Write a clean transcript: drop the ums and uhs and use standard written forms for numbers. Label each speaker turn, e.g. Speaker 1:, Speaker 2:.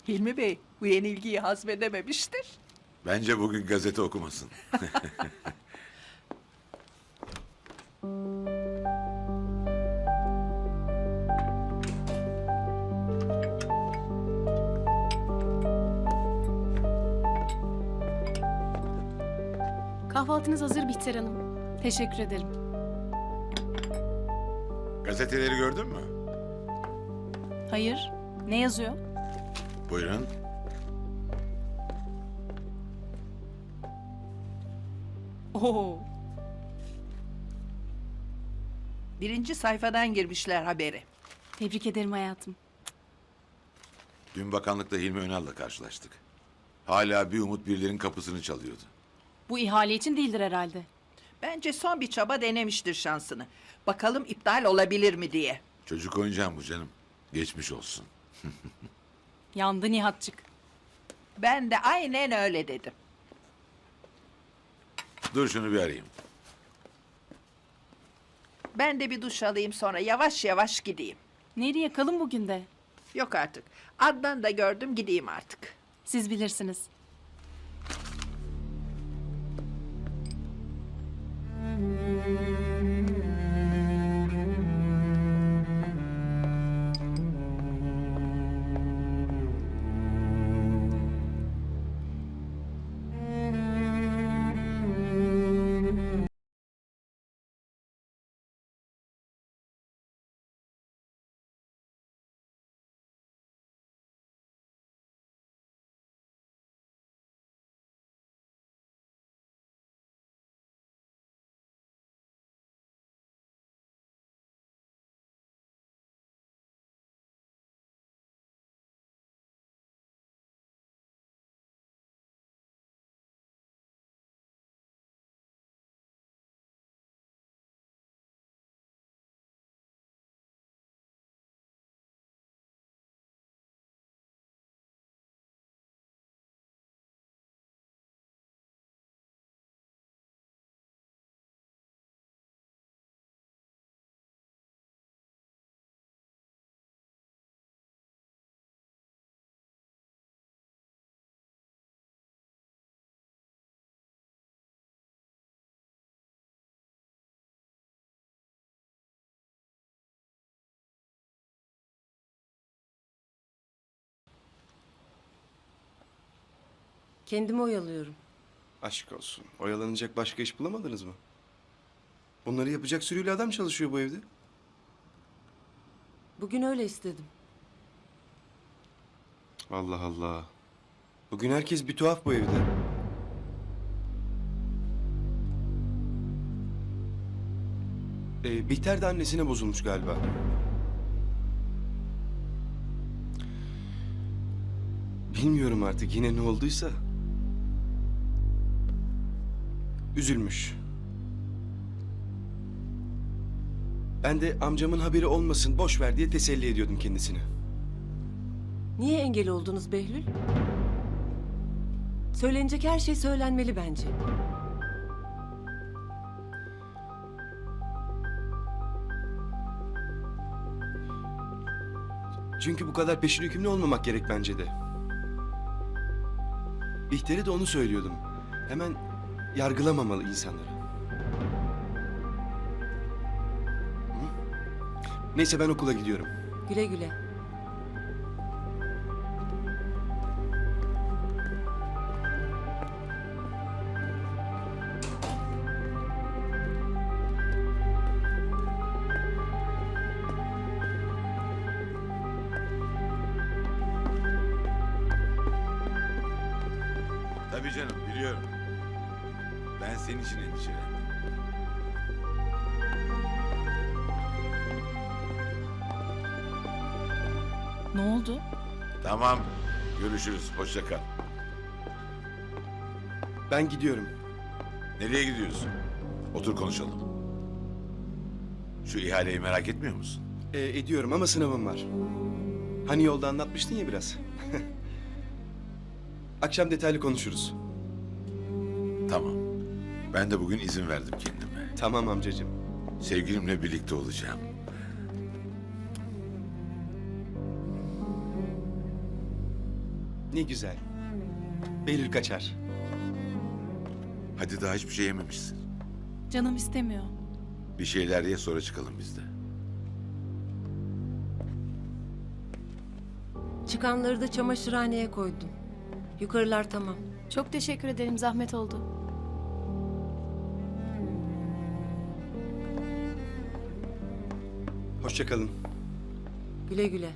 Speaker 1: Hilmi Bey bu yenilgiyi hazmedememiştir.
Speaker 2: Bence bugün gazete okumasın.
Speaker 3: Kahvaltınız hazır Bihter Hanım. Teşekkür ederim.
Speaker 2: Gazeteleri gördün mü?
Speaker 3: Hayır. Ne yazıyor?
Speaker 2: Buyurun.
Speaker 3: Oo.
Speaker 1: Birinci sayfadan girmişler haberi.
Speaker 3: Tebrik ederim hayatım.
Speaker 2: Dün bakanlıkta Hilmi Önal'la karşılaştık. Hala bir umut birilerinin kapısını çalıyordu.
Speaker 3: Bu ihale için değildir herhalde.
Speaker 1: Bence son bir çaba denemiştir şansını. Bakalım iptal olabilir mi diye.
Speaker 2: Çocuk oyuncağım bu canım. Geçmiş olsun.
Speaker 3: Yandı Nihatçık.
Speaker 1: Ben de aynen öyle dedim.
Speaker 2: Dur şunu bir arayayım.
Speaker 1: Ben de bir duş alayım sonra yavaş yavaş gideyim.
Speaker 3: Nereye kalın bugün de?
Speaker 1: Yok artık. Adnan da gördüm gideyim artık.
Speaker 3: Siz bilirsiniz.
Speaker 4: Kendimi oyalıyorum.
Speaker 5: Aşk olsun. Oyalanacak başka iş bulamadınız mı? Bunları yapacak sürüyle adam çalışıyor bu evde.
Speaker 4: Bugün öyle istedim.
Speaker 5: Allah Allah. Bugün herkes bir tuhaf bu evde. Bihter de annesine bozulmuş galiba. Bilmiyorum artık yine ne olduysa. Üzülmüş. Ben de amcamın haberi olmasın, boş ver diye teselli ediyordum kendisini.
Speaker 4: Niye engel oldunuz Behlül? Söylenecek her şey söylenmeli bence.
Speaker 5: Çünkü bu kadar peşin hükümlü olmamak gerek bence de. Bihter'e de onu söylüyordum. Hemen yargılamamalı insanları. Hı? Neyse ben okula gidiyorum.
Speaker 4: Güle güle.
Speaker 2: Tabii canım biliyorum. Ben senin için endişelendim.
Speaker 3: Ne oldu?
Speaker 2: Tamam. Görüşürüz. Hoşça kal.
Speaker 5: Ben gidiyorum.
Speaker 2: Nereye gidiyorsun? Otur konuşalım. Şu ihaleyi merak etmiyor musun?
Speaker 5: Ediyorum ama sınavım var. Hani yolda anlatmıştın ya biraz. Akşam detaylı konuşuruz.
Speaker 2: Tamam. Ben de bugün izin verdim kendime.
Speaker 5: Tamam amcacığım.
Speaker 2: Sevgilimle birlikte olacağım.
Speaker 5: Ne güzel. Behlül kaçar.
Speaker 2: Hadi daha hiçbir şey yememişsin.
Speaker 3: Canım istemiyor.
Speaker 2: Bir şeyler ye sonra çıkalım biz de.
Speaker 4: Çıkanları da çamaşırhaneye koydum. Yukarılar tamam.
Speaker 6: Çok teşekkür ederim, zahmet oldu.
Speaker 5: Hoşça kalın.
Speaker 4: Güle güle.